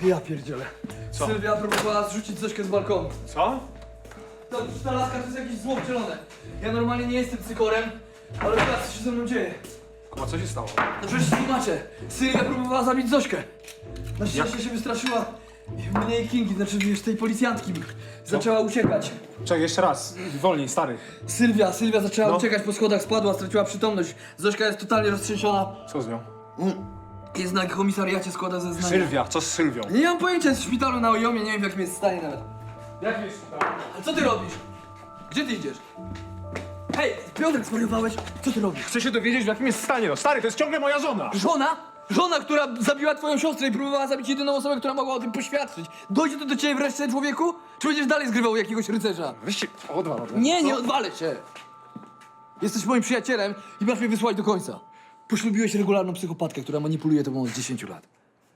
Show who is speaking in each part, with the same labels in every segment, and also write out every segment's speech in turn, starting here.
Speaker 1: Ja pierdzielę.
Speaker 2: Co?
Speaker 1: Sylwia próbowała zrzucić Zośkę z balkonu.
Speaker 2: Co?
Speaker 1: Ta laska to jest jakieś zło wcielone. Ja normalnie nie jestem cykorem, ale teraz co się ze mną dzieje?
Speaker 2: Kuba, co się stało?
Speaker 1: No przecież tłumaczę. Sylwia próbowała zabić Zośkę. Na szczęście się wystraszyła mnie i Kingi, znaczy wiesz, tej policjantki. Zaczęła uciekać.
Speaker 2: Czekaj, jeszcze raz. Wolniej, stary.
Speaker 1: Sylwia zaczęła
Speaker 2: No.
Speaker 1: uciekać po schodach, spadła, straciła przytomność. Zośka jest totalnie roztrzęsiona.
Speaker 2: Co z nią?
Speaker 1: Jest na komisariacie, składa zeznania.
Speaker 2: Sylwia, co z Sylwią?
Speaker 1: Nie mam pojęcia, jest w szpitalu na Ojomie, nie wiem w jakim jest stanie nawet.
Speaker 2: Jak jest tutaj?
Speaker 1: A co ty robisz? Gdzie ty idziesz? Hej, Piotrek, zwariowałeś? Co ty robisz?
Speaker 2: Chcę się dowiedzieć, w jakim jest stanie. No stary, to jest ciągle moja żona.
Speaker 1: Żona? Żona, która zabiła twoją siostrę i próbowała zabić jedyną osobę, która mogła o tym poświadczyć. Dojdzie to do ciebie wreszcie, człowieku? Czy będziesz dalej zgrywał jakiegoś rycerza?
Speaker 2: Weźcie, odwal ode mnie.
Speaker 1: Nie, nie
Speaker 2: Co?
Speaker 1: odwalę cię! Jesteś moim przyjacielem i masz mnie wysłać do końca. Poślubiłeś regularną psychopatkę, która manipuluje tobą od 10 lat.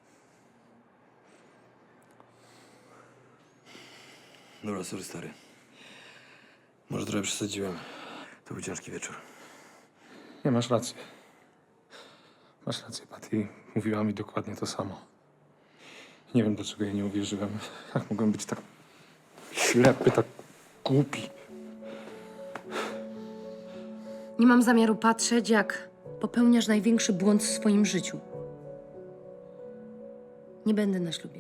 Speaker 1: Dobra, sorry, stary. Może trochę przesadziłem. To był ciężki wieczór.
Speaker 2: Nie, masz rację. Masz rację, Patty. Mówiła mi dokładnie to samo. Nie wiem, dlaczego jej nie uwierzyłem. Jak mogłem być tak ślepy, tak głupi.
Speaker 3: Nie mam zamiaru patrzeć, jak popełniasz największy błąd w swoim życiu. Nie będę na ślubie.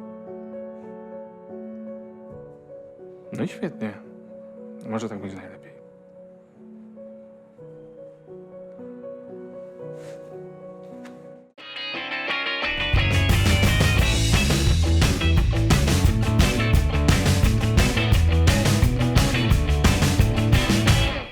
Speaker 2: No i świetnie. Może tak będzie najlepiej.